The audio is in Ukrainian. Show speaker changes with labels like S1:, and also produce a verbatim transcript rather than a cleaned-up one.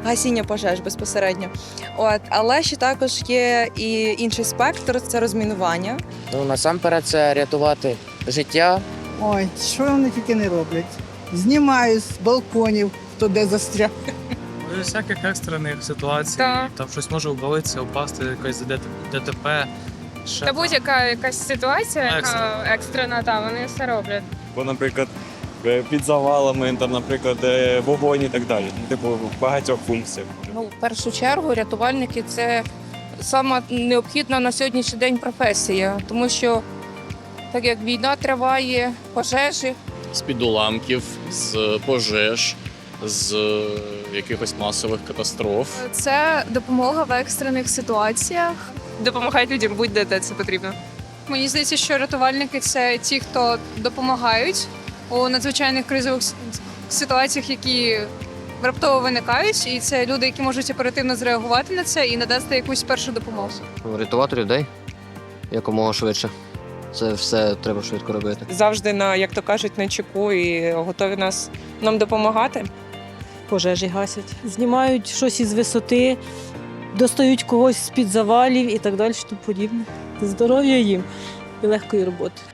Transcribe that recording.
S1: гасіння пожеж безпосередньо. От, але ще також є і інший спектр це розмінування.
S2: Ну, насамперед, це рятувати життя.
S3: Ой, що вони тільки не роблять. Знімають з балконів, хто де застряг.
S4: Без всяких екстрених ситуацій,
S5: Так.
S4: там щось може обвалитися, упасти, якась ДТП. Ще
S5: Та
S4: там.
S5: будь-яка якась ситуація, яка
S4: Екстрена.
S5: екстрена, та вони все роблять.
S6: Бо, наприклад, е, під завалами, там, наприклад, е, вогонь і так далі. Типу, багатьох функцій.
S7: Ну, в першу чергу рятувальники це сама необхідна на сьогоднішній день професія, тому що так як війна триває, пожежі.
S8: З-під уламків, з пожеж, з якихось масових катастроф.
S9: Це допомога в екстрених ситуаціях.
S5: Допомагають людям будь-де, де це потрібно.
S9: Мені здається, що рятувальники це ті, хто допомагають у надзвичайних кризових с- ситуаціях, які раптово виникають, і це люди, які можуть оперативно зреагувати на це і надати якусь першу допомогу.
S10: Рятувати людей якомога швидше. Це все треба швидко робити.
S11: Завжди на, як то кажуть, на чеку і готові нас нам допомагати.
S12: Пожежі гасять. Знімають щось із висоти, достають когось з-під завалів і так далі, тому подібне. Здоров'я їм і легкої роботи.